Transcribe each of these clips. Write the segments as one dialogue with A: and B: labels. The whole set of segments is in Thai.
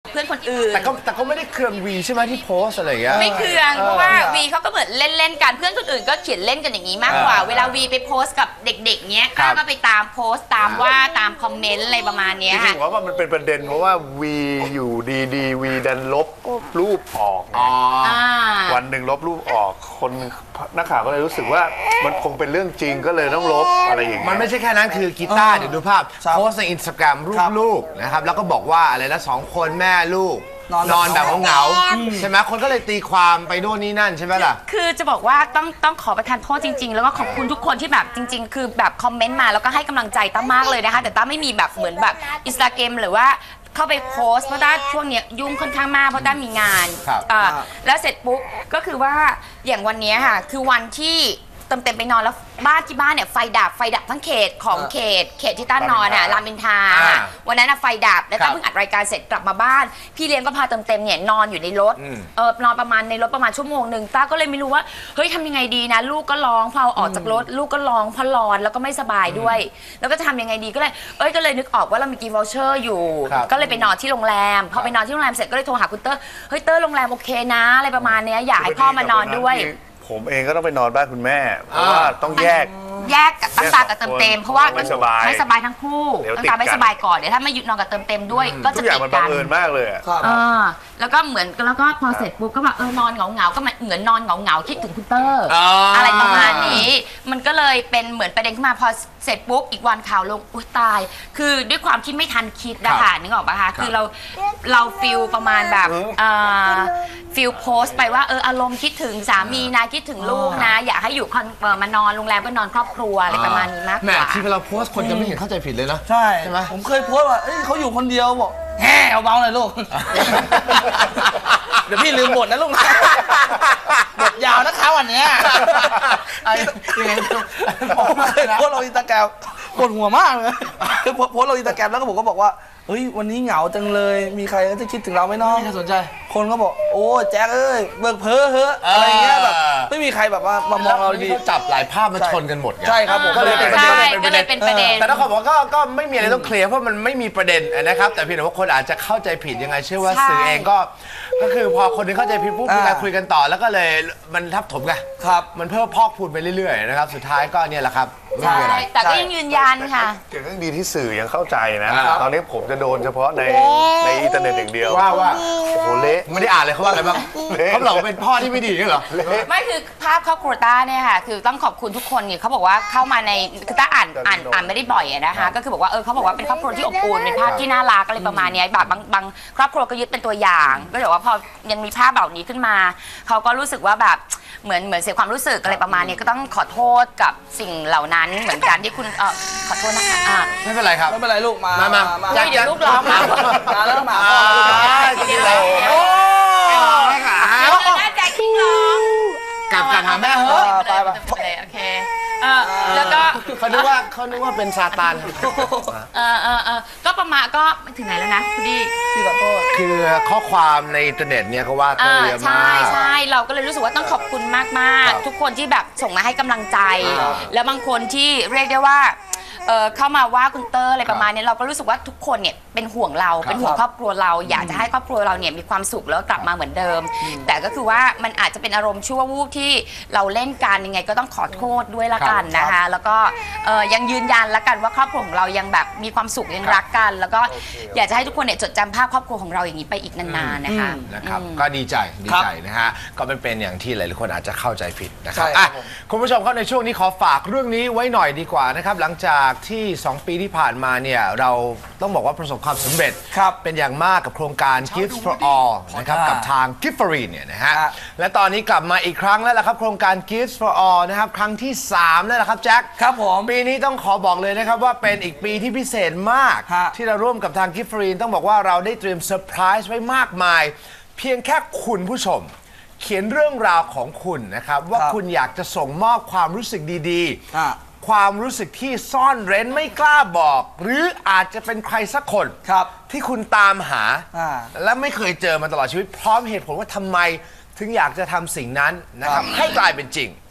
A: เพื่อนคนอื่น
B: แต่ก็ไม่ได้เครื่องวีใช่ไหมที่โพสอะไรอย่างเงี้ย
A: ไม่เครื่องเพราะว่าวีเขาก็เหมือนเล่นกันเพื่อนคนอื่นก็เขียนเล่นกันอย่างนี้มากกว่าเวลาวีไปโพสกับเด็กๆเนี้ยก็ไปตามโพสตามว่าตามคอมเมนต์อะไรประมาณนี้ค่ะ
C: จริงๆว่ามันเป็นประเด็นเพราะว่าวีอยู่ดีๆวีดันลบรูปออกวันหนึ่งลบรูปออกคนนักข่าวก็เลยรู้สึกว่ามันคงเป็นเรื่องจริงก็เลยต้องลบอะไรอย่างเงี้ย
B: มันไม่ใช่แค่นั้นคือกีตาร์เดี๋ยวดูภาพโพสในอินสตาแกรมรูปลูกนะครับแล้วก็บอกว่าอะไรนะ2 คนแม่ลูกนอนแบบเหงาใช่ไหมคนก็เลยตีความไปโน่นนี่นั่นใช่ไหมล่ะ
A: คือจะบอกว่าต้องขอประทานโทษจริงๆแล้วก็ขอบคุณทุกคนที่แบบจริงๆคือแบบคอมเมนต์มาแล้วก็ให้กำลังใจตั้มมากเลยนะคะแต่ตั้มไม่มีแบบเหมือนแบบอินสตาแกรมหรือว่าเข้าไปโพสเพราะด้าช่วงนี้ยุ่งค่อนข้างมากเพราะด้ามีงานแล้วเสร็จปุ๊บก็คือว่าอย่างวันนี้ค่ะคือวันที่เต็มไปนอนแล้วที่บ้านเนี่ยไฟดับทั้งเขตของเขตที่ต้านนอนอ่ะรามอินทราวันนั้นไฟดับแล้วต้าเพิ่งอัดรายการเสร็จกลับมาบ้านพี่เลี้ยงก็พาเต็มเนี่ยนอนอยู่ในรถนอนประมาณในรถประมาณชั่วโมงนึงต้าก็เลยไม่รู้ว่าเฮ้ยทำยังไงดีนะลูกก็ร้องพอออกจากรถลูกก็ร้องเพราะร้อนแล้วก็ไม่สบายด้วยแล้วก็จะทำยังไงดีก็เลยนึกออกว่าเรามีกิฟต์วอเชอร์อยู่ก็เลยไปนอนที่โรงแรมพอไปนอนที่โรงแรมเสร็จก็เลยโทรหาคุณเตอร์เฮ้ยเตอร์โรงแรมโอเคนะอะไรประมาณนี้อยากให้พ่อมานอนด้วย
C: ผมเองก็ต้องไปนอนบ้านคุณแม่เพราะว่าต้องแยก
A: กับตั้งตากับเติมเพราะว่าไม่สบายทั้งคู่ตั้งตาไม่สบายก่อนเดี๋ยวถ้าไม่หยุดนอนกับเติมด้วยก็จะติดกันทุกอย่าง
C: มันบังเอิญมากเลย
A: แล้วก็เหมือนแล้วก็พอเสร็จปุ๊บก็แบบนอนเหงาก็เหมือนนอนเหงาคิดถึงคุณเตอร์อะไรประมาณนี้มันก็เลยเป็นเหมือนประเด็นขึ้นมาพอเสร็จปุ๊บอีกวันข่าวลงอุ้ยตายคือด้วยความที่ไม่ทันคิดนะคะนึกออกปะคะคือเราฟิลประมาณแบบฟิลโพสต์ไปว่าอารมณ์คิดถึงสามีนะคิดถึงลูกนะอยากให้อยู่มานอนโรงแรมก็นอนครอบครัวอะไรประมาณนี้มากกว่า
B: แม่ที่เราโพสต์คนจะไม่เห็นเข้าใจผิดเลยนะ
D: ใช่ไหมผมเคยโพสต์ว่าเขาอยู่คนเดียวบอกแฮ่เอาเบาหน่อยลูกเดี๋ยวพี่ลืมบทนะลูกบทยาวนะคะวันนี้ผมเคยโพสต์ลงอินสตาแกรมปวดหัวมากเลยคือโพสต์ลงอินสตาแกรมแล้วก็ผมก็บอกว่าเฮ้ยวันนี้เหงาจังเลยมีใครจะคิดถึงเราไหมน้อง
B: ไม่สนใจ
D: คนก็บอกโอ้แจ็คเบิกเพ้อเฮ้ออะไรเงี้ยแบบไม่มีใครแบบว่ามามองเราดี
B: จับหลายภาพมาชนกันหมดไง
D: ใช่ครับผม
A: ก็เลยเป็นประเด็น
B: แต่ถ้าคนบอกก็ไม่มีอะไรต้องเคลียร์เพราะมันไม่มีประเด็นนะครับแต่เพียงแต่ว่าคนอาจจะเข้าใจผิดยังไงเชื่อว่าสื่อเองก็คือพอคนนึงเข้าใจผิดปุ๊บมีการคุยกันต่อแล้วก็เลยมันทับถมไงมันเพิ่มพอกพูนไปเรื่อยๆนะครับสุดท้ายก็เนี่ยแหละครับ
A: ใช่แต่ก็ยังยืนยันค่ะ
C: ยังดีที่สื่อยังเข้าใจนะตอนนี้ผมจะโดนเฉพาะในอินเทอร์เน็ตอย่างเดียว
B: ว่า
C: โอ้โหเละ
B: ไม่ได้อ่านเลยเขาว่าอะไรบ้างเขาบอกว่าเป็นพ่อที่ไม่ดีเหรอ
A: ไม่คือภาพครอบครัวต้าเนี่ยค่ะคือต้องขอบคุณทุกคนเนี่ยเขาบอกว่าเข้ามาในคือต้าอ่านไม่ได้บ่อยนะคะก็คือบอกว่าเขาบอกว่าเป็นครอบครัวที่อบอุ่นเป็นภาพที่น่ารักอะไรประมาณนี้แบบบางครอบครัวก็ยึดเป็นตัวอย่างก็บอกว่าพอยังมีภาพแบบนี้ขึ้นมาเขาก็รู้สึกว่าแบบเหมือนเสียความรู้สึกอะไรประมาณนี้ก็ต้องขอโทษกับสิ่งเหล่านั้นเหมือนกันที่คุณขอโทษนะคะ
B: ไม่เป็นไรครับ
D: ไม่เป็นไรลูกมา
A: เดี๋ยวลูกร้องมา
D: แล้วมา
B: โอ้
A: น่าใจคิงร้อง
B: กลับหาแม่เหรอ
A: ไปโอเคแล้วก็
B: เขานึกว่าเป็นซาตาน
A: ก็ประมาณก็ถึงไหนแล้วนะ
D: พี่ขอโทษ
B: คือข้อความในอินเทอร์เน็ตเนี่ยเขาว่าเยอะมาก
A: ใช่เราก็เลยรู้สึกว่าต้องขอบคุณมากๆทุกคนที่แบบส่งมาให้กำลังใจแล้วบางคนที่เรียกได้ว่าเข้ามาว่าคุณเตอร์อะไรประมาณนี้เราก็รู้สึกว่าทุกคนเนี่ยเป็นห่วงเราเป็นห่วงครอบครัวเราอยากจะให้ครอบครัวเราเนี่ยมีความสุขแล้วกลับมาเหมือนเดิมแต่ก็คือว่ามันอาจจะเป็นอารมณ์ชั่ววูบที่เราเล่นกันยังไงก็ต้องขอโทษด้วยละกันนะคะแล้วก็ยังยืนยันละกันว่าครอบครัวของเรายังแบบมีความสุขยังรักกันแล้วก็อยากจะให้ทุกคนเนี่ยจดจำภาพครอบครัวของเราอย่างนี้ไปอีกนานๆนะคะ
B: ก็ดีใจนะฮะก็เป็นอย่างที่หลายๆคนอาจจะเข้าใจผิดนะครับคุณผู้ชมครับในช่วงนี้ขอฝากเรื่องนี้ไว้หน่อยดีกว่านะครับหลังจากที่2 ปีที่ผ่านมาเนี่ยเราต้องบอกว่าประสบความสำเร็จเป็นอย่างมากกับโครงการ Gifts for All นะครับกับทาง Giftfree เนี่ยนะฮะและตอนนี้กลับมาอีกครั้งแล้วล่ะครับโครงการ Gifts for All นะครับครั้งที่3แล้วล่ะครับแจ็ค
D: ครับผม
B: ปีนี้ต้องขอบอกเลยนะครับว่าเป็นอีกปีที่พิเศษมากที่เราร่วมกับทาง Giftfree ต้องบอกว่าเราได้เตรียมเซอร์ไพรส์ไว้มากมายเพียงแค่คุณผู้ชมเขียนเรื่องราวของคุณนะครับว่าคุณอยากจะส่งมอบความรู้สึกดีๆความรู้สึกที่ซ่อนเร้นไม่กล้าบอกหรืออาจจะเป็นใครสักคนที่คุณตามหาและไม่เคยเจอมาตลอดชีวิตพร้อมเหตุผลว่าทำไมถึงอยากจะทำสิ่งนั้นนะครับให้กลายเป็นจริง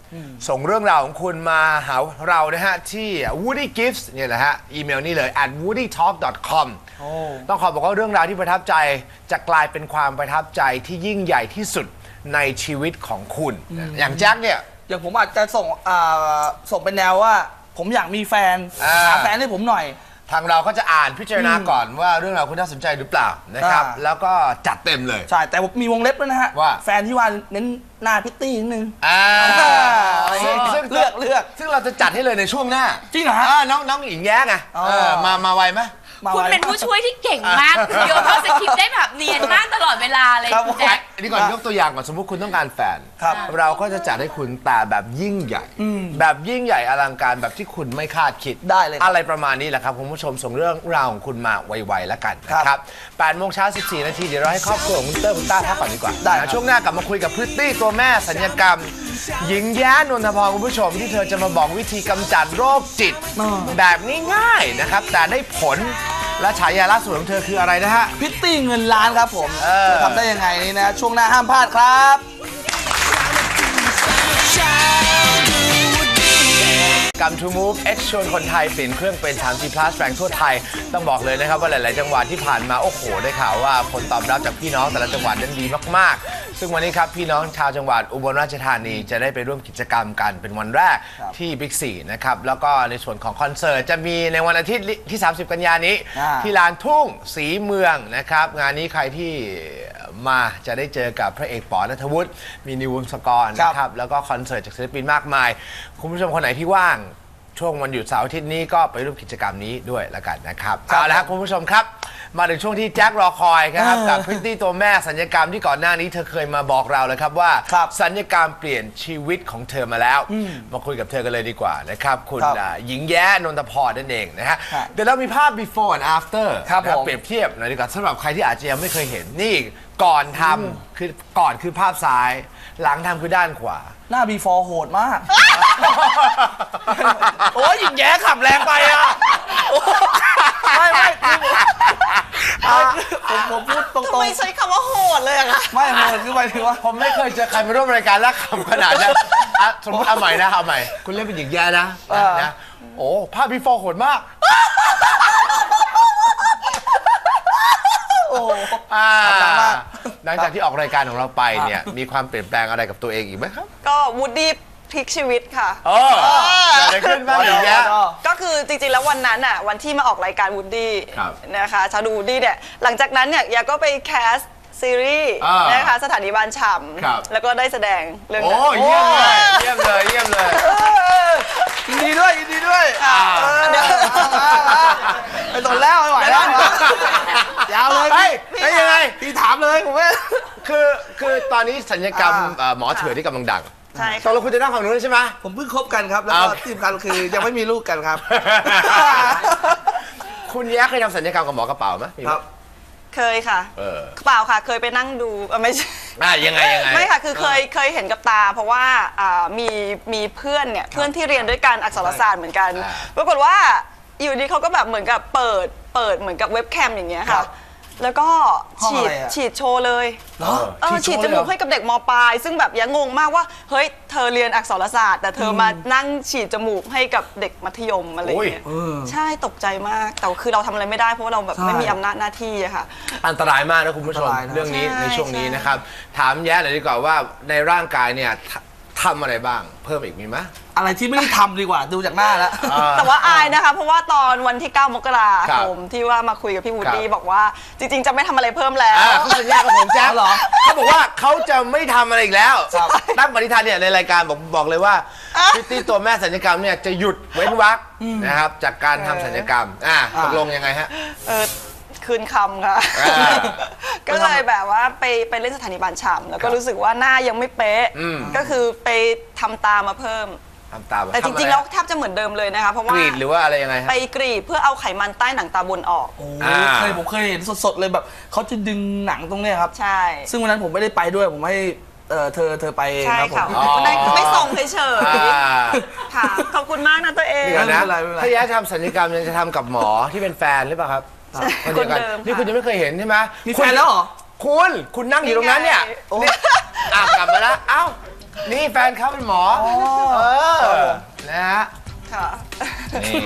B: ส่งเรื่องราวของคุณมาหาเรานะฮะที่ Woody Gifts เนี่ยนะฮะอีเมลนี่เลย @woodytalk.com ต้องขอบอกว่าเรื่องราวที่ประทับใจจะกลายเป็นความประทับใจที่ยิ่งใหญ่ที่สุดในชีวิตของคุณอย่างแจ็คเนี่ย
D: อย่างผมอาจจะส่งเป็นแนวว่า ผมอยากมีแฟนหาแฟนให้ผมหน่อย
B: ทางเราก็จะอ่านพิจารณาก่อนว่าเรื่องราวคุณน่าสนใจหรือเปล่านะครับแล้วก็จัดเต็มเลย
D: ใช่แต่มีวงเล็บด้วยนะฮะ
B: ว่า
D: แฟนที่ว่าเน้นหน้าพิตตี้นิดนึง
B: ซึ่ง
D: เลือก
B: ซึ่งเราจะจัดให้เลยในช่วงหน้า
D: จริงเหรอฮะ
B: น้องหญิงแย้ไงมาไวไหม
A: คุณเป็นผู้ช่วยที่เก่งมากโยนเข้าสคริปต์ได้แบบเนียนมากตลอดเวลาเลยคุณแจ็ค
B: นี่ก่อนยกตัวอย่างก่อนสมมุติคุณต้องการแฟน
D: ครับ
B: เราก็จะจัดให้คุณแต่แบบยิ่งใหญ่ แบบยิ่งใหญ่อลังการแบบที่คุณไม่คาดคิด
D: ได้เลย
B: อะไรประมาณนี้แหละครับคุณผู้ชมส่งเรื่องราวของคุณมาไวๆแล้วกันนะครับ8 โมงเช้า 14 นาทีเดี๋ยวเราให้ครอบครัวของคุณเตอร์คุณต้าพักก่อนดีกว่า
D: ได้ครับ
B: ช่วงหน้ากลับมาคุยกับพริตตี้ตัวแม่สัญญกรรม หญิงแย้นนทพรคุณผู้ชมที่เธอจะมาบอกวิธีกำจัดโรคจิต แบบง่ายๆนะครับแต่ได้ผลและฉายาล่าสุดของเธอคืออะไรนะฮะ
D: พิตตี้เงินล้านครับผมจะทำได้ยังไงนี่นะช่วงหน้าห้ามพลาดครับ
B: กัมทูมูฟ X ชวนคนไทยเปลี่ยนเครื่องเป็น 3G Plus แรงทั่วไทยต้องบอกเลยนะครับว่าหลาย ๆ จังหวัดที่ผ่านมาโอ้โหได้ข่าวว่าผลตอบรับจากพี่น้องแต่ละจังหวัดนั้นดีมาก ๆ ซึ่งวันนี้ครับพี่น้องชาวจังหวัดอุบลราชธานีจะได้ไปร่วมกิจกรรมกันเป็นวันแรกที่บิ๊กซีนะครับแล้วก็ในส่วนของคอนเสิร์ตจะมีในวันอาทิตย์ที่ 30 กันยายนนี้ ที่ลานทุ่งศรีเมืองนะครับงานนี้ใครที่มาจะได้เจอกับพระเอกป๋อณัฐวุฒิมีนิววงศกรนะครับแล้วก็คอนเสิร์ตจากศิลปินมากมายคุณผู้ชมคนไหนที่ว่างช่วงวันหยุดเสาร์อาทิตย์นี้ก็ไปร่วมกิจกรรมนี้ด้วยละกันนะครับเอาละครับคุณผู้ชมครับมาถึงช่วงที่แจ็ครอคอยครับกับพริตตี้ตัวแม่สัญญกรรมที่ก่อนหน้านี้เธอเคยมาบอกเราเลยครับว่าสัญญกรรมเปลี่ยนชีวิตของเธอมาแล้วมาคุยกับเธอกันเลยดีกว่านะครับคุณหญิงแย้นนทพรนั่นเองนะฮะเดี๋ยวเรามีภาพ before and after เปรียบเทียบหน่อยดีกว่าสำหรับใครที่อาจจะยังไม่เคยเห็นนี่ก่อนทำคือก่อนคือภาพซ้ายหลังทำคือด้านขวา
D: หน้า before โหดมาก โอ้ยหญิงแย้ขับแรงไปอ่ะไม่ผมพูดตรงๆ
E: ไม่ใช้คำว่าโหดเลยอะค่ะ
D: ไม่โหดคือหมายถึงว่า
B: ผมไม่เคยเจอใครมาร่วมรายการแล้วขำขนาดนั้นสมมติเอาใหม่นะเอาใหม่คุณเล่นเป็นหญิงแย้นะโอ้ภาพ before โหดมากหลังจากที่ออกรายการของเราไปเนี่ยมีความเปลี่ยนแปลงอะไรกับตัวเองอีกไหมครับ
E: ก็วูดดี้พลิกชีวิตค่ะ
B: เกิดอะไรขึ้นบ้างหญิงแย้
E: ก็คือจริงๆแล้ววันนั้นอ่ะวันที่มาออกรายการวูดดี้
B: ครับ
E: นะคะชาดูวูดดี้เนี่ยหลังจากนั้นเนี่ยยาก็ไปแคสซีรีส์นะคะสถานีบ้านฉ่ำแล้วก็ได้แสดงเรื่องนั้น
B: เยี่ยมเลยยินดีด้วย
D: เดี๋ยวไปตอนแล้วไม่ไหวแล้วยาวเลยพี่
B: ยังไง
D: พี่ถามเลยผมว่า
B: คือตอนนี้สัญญกรรมหมอเถื่อนที่กำลังดัง
E: ใช่
B: ตอนเราคุณจะนั่งฝั่งนู้นใช่ไหม
D: ผมเพิ่งคบกันครับแล้วก็ที่สำคัญคือยังไม่มีลูกกันครับ
B: คุณแย้เคยทำสัญญกรรมกับหมอกระเป๋าไหมครับ
E: เคยค่ะเปล่าค่ะเคยไปนั่งดูไม่ใช่
B: ยังไง
E: ไม่ค่ะคือเคยเห็นกับตาเพราะว่ามีเพื่อนเนี่ยเพื่อนที่เรียนด้วยกันอักษรศาสตร์เหมือนกันปรากฏว่าอยู่ดีเขาก็แบบเหมือนกับเปิดเหมือนกับเว็บแคมอย่างเงี้ยค่ะแล้วก็ฉีดโชว์เลยฉีดจมูกให้กับเด็กม.ปลายซึ่งแบบยังงงมากว่าเฮ้ยเธอเรียนอักษรศาสตร์แต่เธอมานั่งฉีดจมูกให้กับเด็กมัธยมอะไรอย่างเงี้ยใช่ตกใจมากแต่คือเราทำอะไรไม่ได้เพราะว่าเราแบบไม่มีอำนาจหน้าที่อะค่ะ
B: อันตรายมากนะคุณผู้ชมเรื่องนี้ในช่วงนี้นะครับถามแย้หน่อยดีกว่าว่าในร่างกายเนี่ยทำอะไรบ้างเพิ่มอีกมีไหม
D: อะไรที่ไม่ได้ทำดีกว่าดูจากหน้าแล้ว
E: แต่ว่าอายนะคะเพราะว่าตอนวันที่9 มกราคมที่ว่ามาคุยกับพี่วูดดี้บอกว่าจริงๆจะไม่ทำอะไรเพิ่มแล้ว
B: เขาสัญญากับผมแจ๊คเหรอเขาบอกว่าเขาจะไม่ทำอะไรอีกแล้วตั้งปณิธานเนี่ยในรายการบอกเลยว่าพิตตี้ตัวแม่สัญญกรรมเนี่ยจะหยุดเว้นวรรคนะครับจากการทำสัญญกรรมตกลงยังไงฮะ
E: คืนคำค่ะก็เลยแบบว่าไปเล่นสถานีบ้านฉ่ำแล้วก็รู้สึกว่าหน้ายังไม่เป๊ะก็คือไปทำตามาเพิ่มแต่จริงๆแล้วแทบจะเหมือนเดิมเลยนะคะเพราะว่าก
B: รีดหรือว่าอะไรยังไง
E: ไปกรีดเพื่อเอาไขมันใต้หนังตาบนออก
D: ผมเคยเห็นสดๆเลยแบบเขาจะดึงหนังตรงเนี้ยครับ
E: ใช่
D: ซึ่งวันนั้นผมไม่ได้ไปด้วยผมให้เธอไป
E: ใช่ค่ะไม่ส่งเฉยๆค่ะขอบคุณมากนะตัวเอง
B: ถ้าแย้ทำสัญญกรรมยังจะทำกับหมอที่เป็นแฟนหรือเปล่าครับ
E: คนเดิม
B: นี่คุณยังไม่เคยเห็นใช่ไหม
D: มีแฟนแล้วเหรอ
B: คุณนั่งอยู่ตรงนั้นเนี่ยกลับมาแล้วเอ้านี่แฟนเขาเป็นหมอนะฮะ
E: ค่ะ
B: นี่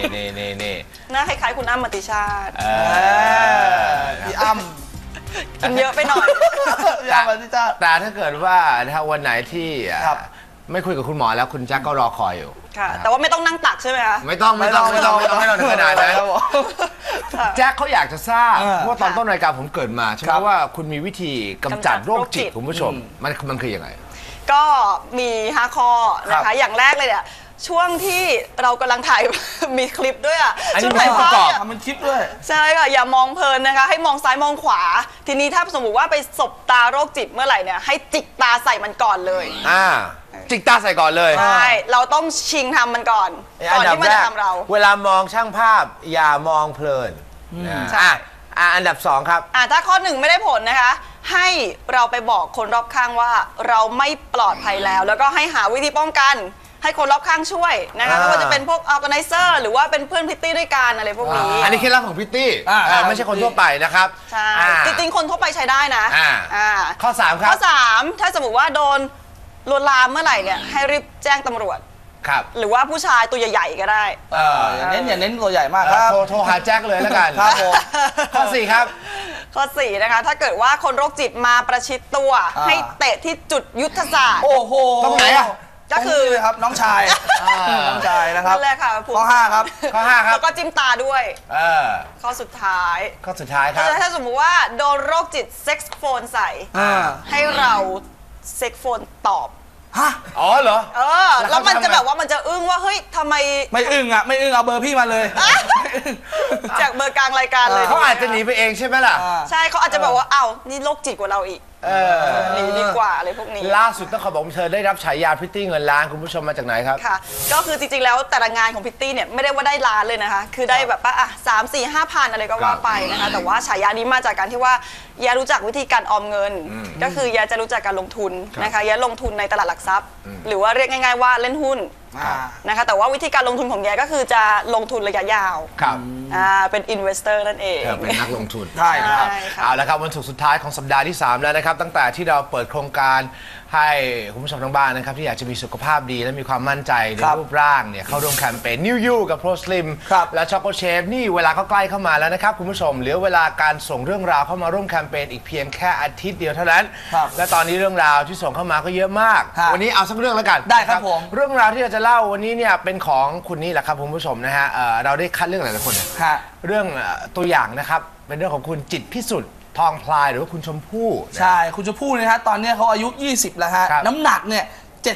E: หน้าคล้ายๆคุณอ้ำมติชาติ
D: พี่อ้ำ
E: กินเยอะไปหน่อย
D: พี่อ้ำมาที่จ้า
B: แต่ถ้าเกิดว่าถ้าวันไหนที่
D: ครับ
B: ไม่คุยกับคุณหมอแล้วคุณแจ็คก็รอคอยอยู่
E: ค่ะ แต่ว่าไม่ต้องนั่งตักใช่ไหมคะ
B: ไม่ต้องถึงขนาดนั้น
E: ค่ะ
B: แจ็คเขาอยากจะทราบ
D: อ่า
B: เพราะว่าตอนต้นรายการผมเกิดมาใช่ไหม
D: ครับ
B: ว่าคุณมีวิธีกำจัดโรคจิต
E: กำจัดโรคจิต
B: คุณผู้ชมมันคือยังไง
E: ก็มี5 ข้อนะ
B: ครั
E: คะ
B: บ
E: อย่างแรกเลยเนี่ยช่วงที่เรากำลังถ่าย มีคลิปด้วยอ่ะ
B: อันนี้
E: ช่วงถ่าย
B: มีประกอบ
E: ภาพ
D: ทำเป็นคลิปด้วย
E: ใช่ค่ะอย่ามองเพลินนะคะ ให้มองซ้ายมองขวา ทีนี้ถ้าสมมติว่าไปสบตาโรคจิตเมื่อไหร่เนี่ยให้จิกตาใส่มันก่อนเลย
B: จิกตาใส่ก่อนเลย
E: ใช่เราต้องชิงทำมันก่อนก่อนที่มันจะทำเรา
B: เวลามองช่างภาพอย่ามองเพลินนะ
E: ใช่
B: อันดับ 2 ครับ
E: ถ้าข้อ 1ไม่ได้ผลนะคะ ให้เราไปบอกคนรอบข้างว่าเราไม่ปลอดภัยแล้ว แล้วก็ให้หาวิธีป้องกัน ให้คนรอบข้างช่วยนะคะไม่ว่าจะเป็นพวก organizer หรือว่าเป็นเพื่อนพริตตี้ด้วยกันอะไรพวกนี้
B: อันนี้เคล็ดลับของพิตตี้ ไม่ใช่คนทั่วไปนะครับ
E: ใช่จริงๆคนทั่วไปใช้ได้นะ
B: ข้อ 3 ครับ
E: ข้อ 3 ถ้าสมมติว่าโดนลวนลามเมื่อไหร่เนี่ยให้รีบแจ้งตำรวจ
B: ครับ
E: หรือว่าผู้ชายตัวใหญ่ๆก็ได้
D: อย่าเน้นตัวใหญ่มากครับ
B: โทรหาแจ็คเลยแล้วกัน
D: ครับผม
B: ข้อ 4 ครับ
E: ข้อ 4 นะคะ ถ้าเกิดว่าคนโรคจิตมาประชิดตัว ให้เตะที่จุดยุทธศาสตร์
D: โอ้โห
B: ตรงไหนอะ
E: ก็คือ
D: ตรงนี้เลยครับน้องชายน้องชายนะครับ
E: นั่นแหละค่ะ
D: ข้อ 5 ครับ
B: ข้อ 5 ครับ
E: แล้วก็จิ้มตาด้วย ข้อสุดท้าย
B: ข้อสุดท้ายครับ
E: ถ้าสมมุติว่าโดนโรคจิตเซ็กซ์โฟนใส่ ให้เราเซ็กซ์โฟนตอบ
D: ฮะ
B: อ๋อเหรอ
E: แล้วมันจะแบบว่ามันจะอึ้งว่าเฮ้ยทำไม
D: ไม่อึ้งอ่ะไม่อึ้งเอาเบอร์พี่มาเลย
E: จากเบอร์กลางรายการเลย
B: เขาอาจจะหนีไปเองใช่ไหมล่ะ
E: ใช่เขาอาจจะแบบว่าอ้าวนี่โรคจิตกว่าเราอีกหนีดีกว่าอะไรพวกนี้
B: ล่าสุดต้องขอบอกว่าเธอได้รับฉายาพริตตี้เงินล้านคุณผู้ชมมาจากไหนครับ
E: ค่ะ ก็คือจริงๆแล้วแต่ละงานของพิตตี้เนี่ยไม่ได้ว่าได้ล้านเลยนะคะ คือได้แบบว่า3-4-5 พันอะไรก็ว่าไปนะคะแต่ว่าฉายานี้มาจากการที่ว่าแยรู้จักวิธีการออมเงิน ก็คือแยจะรู้จักการลงทุนนะคะแยลงทุนในตลาดหลักทรัพย์ หรือว่าเรียกง่ายๆว่าเล่นหุ้นนะคะแต่ว่าวิธีการลงทุนของแยก็คือจะลงทุนระยะยาว
B: ครับ
E: เป็น investor นั่นเอง
B: เป็นนักลงทุน
D: ใช่ครับ
E: ใช่ค่ะ
B: เอาละครับวันศุกร์สุดท้ายของสัปดาห์ที่ 3 แล้วนะครับตั้งแต่ที่เราเปิดโครงการให้คุณผู้ชมทางบ้านนะครับที่อยากจะมีสุขภาพดีและมีความมั่นใจใน
D: ครับ
B: รูปร่างเนี่ยเข้าร่วมแคมเปญ New You กับ Pro Slim
D: ครับ
B: และ Choco Chef นี่เวลาก็ใกล้เข้ามาแล้วนะครับคุณผู้ชมเหลือเวลาการส่งเรื่องราวเข้ามาร่วมแคมเปญอีกเพียงแค่อาทิตย์เดียวเท่านั้น
D: ครับ
B: และตอนนี้เรื่องราวที่ส่งเข้ามาก็เยอะมาก
D: ครับ
B: วันนี้เอาสักเรื่องแล้วกัน
D: ได้ครับ
B: นะ
D: ผม
B: เรื่องราวที่เราจะเล่าวันนี้เนี่ยเป็นของคุณนี่แหละครับคุณผู้ชมนะฮะเราได้คัดเรื่องหลายๆคนเนี่ย
D: ฮะ
B: เรื่องตัวอย่างนะครับ เป็นเรื่องของคุณจิตรพิสุทธิ์ทองพลายหรือว่าคุณชมพู่นะ
D: ใช่คุณจะพูดนะฮะตอนเนี้ยเขาอายุ 20 แล้วฮะ
B: ครับ
D: น้ำหนักเนี่ย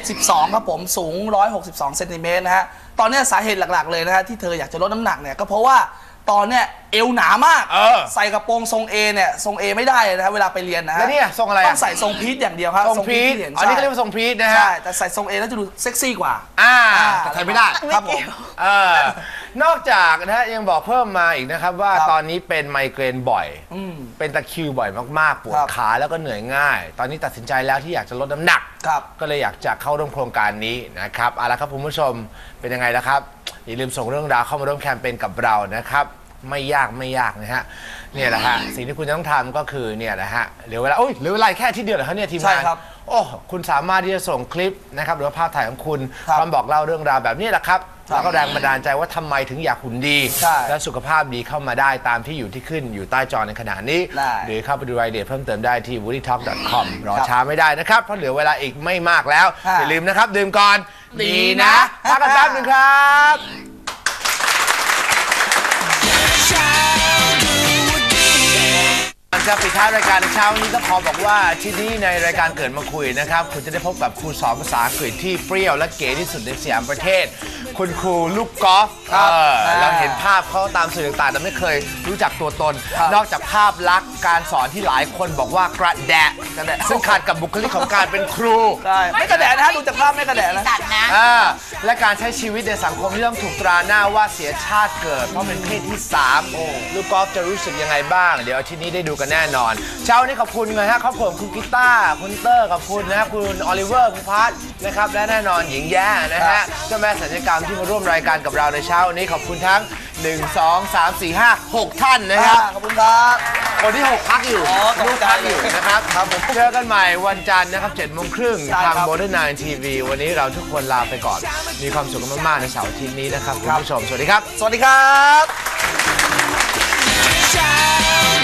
D: 72ครับผมสูง 162 เซนติเมตรนะฮะตอนเนี้ยสาเหตุหลักๆเลยนะฮะที่เธออยากจะลดน้ำหนักเนี่ยก็เพราะว่าตอนเนี้ยเอวหนามาก ใส่กระโปรงทรง A เนี่ยทรง A ไม่ได้เลยนะฮะเวลาไปเรียนนะฮะ
B: แล้วเนี่ยทรงอะไรอะ
D: ต้องใส่ทรงพีทอย่างเดียวครับ
B: ทรงพีท
D: ที่เห็น
B: อันนี้ก็เรียกว่าทรงพีทนะฮะ
D: ใช่แต่ใส่ทรง A แล้วจะดูเซ็กซี่กว่า
B: แต่ใส่ไม่ได้
D: ครับผม
B: นอกจากนะฮะยังบอกเพิ่มมาอีกนะครับว่า
D: ครับ
B: ตอนนี้เป็นไมเกรนบ่อย เป็นตะคริวบ่อยมากๆ ปวด
D: ครับ
B: ขาแล้วก็เหนื่อยง่าย ตอนนี้ตัดสินใจแล้วที่อยากจะลดน้ำหนัก
D: ครับ
B: ก็เลยอยากจะเข้าร่วมโครงการนี้นะครับเอาละครับคุณผู้ชมเป็นยังไงล่ะครับอย่าลืมส่งเรื่องราวเข้ามาร่วมแคมเปญกับเรานะครับไม่ยากนะฮะเนี่ยแหละฮะสิ่งที่คุณจะต้องทำก็คือเนี่ยนะฮะเหลือเวลาเหลือเวลาแค่อาที่เดียวเหรอครับเนี่ยทีมงาน
D: ใช่ครับ
B: โอ้คุณสามารถที่จะส่งคลิปนะครับหรือว่าภาพถ่ายของคุณ
D: ครับ
B: พร้อมบอกเล่าเรื่องราวแบบนี้แหละครับ
D: ครับ
B: แล้วก็แรงบันดาลใจว่าทำไมถึงอยากหุ่นดี
D: ใช่
B: และสุขภาพดีเข้ามาได้ตามที่อยู่ที่ขึ้นอยู่ใต้จอในขณะนี้
D: ได้
B: หรือเข้าไปดูรายละเอียดเพิ่มเติมได้ที่ woodytalk.com รอช้าไม่ได้นะครับเพราะเหลือเวลาอีกไม่มากแล้ว
D: ค่ะ
B: อย่าลืมนะครับดื่มก่อน
D: ดีนะ
B: พักกันแป๊บนึงครับจะปิดท้ายรายการเช้านี้ต้องขอบอกว่าที่นี่ในรายการเกิดมาคุยนะครับคุณจะได้พบกับครูสอนภาษาอังกฤษที่เปรี้ยวและเก๋ที่สุดในสยามประเทศ คุณครูลูกกอล์ฟ
D: ครับ
B: เราเห็นภาพเขาตามสื่อต่างๆแต่ไม่เคยรู้จักตัวตน นอกจากภาพลักษณ์การสอนที่หลายคนบอกว่ากระแดะซึ่งขัดกับบุคลิกของการเป็นครู
D: ใช่ไม่กระแดะนะฮะดูจากภาพไม่กระแดะนะ
A: ตัดนะ
B: และการใช้ชีวิตในสังคมที่ต้องถูกตราหน้าว่าเสียชาติเกิดเพราะเป็นเพศที่ 3ลูกกอล์ฟจะรู้สึกยังไงบ้าง เดี๋ยวอาทิตย์นี้ได้ดูกันแน่นอนเช้านี้ขอบคุณนะฮะครอบครัวคุณกีตาร์คุณเตอร์ขอบคุณนะคุณออลิเวอร์คุณพัทนะครับและแน่นอนหญิงแย่นะฮะเจ้าแม่สัญญกรรมที่มาร่วมรายการกับเราในเช้านี้ขอบคุณทั้ง 1 2 3 4 5 6 ท่านนะครับ
D: ขอบคุณครับ
B: คนที่ 6 พักอยู่
D: อ๋อต
B: ลู
D: ก
B: ก
D: ใจ
B: พักอยู่นะครับ
D: ครับผม
B: เจอกันใหม่วันจันทร์นะครับ 7:30 น.
D: ใช่
B: ทาง
D: ครับ
B: Modern 9 TV วันนี้เราทุกคนลาไปก่อน มีความสุขกันมาก ๆ ในเสาร์อาทิตย์นี้นะครับ คุณผู้ชม สวัสดีครับ
D: สวัสดีครับ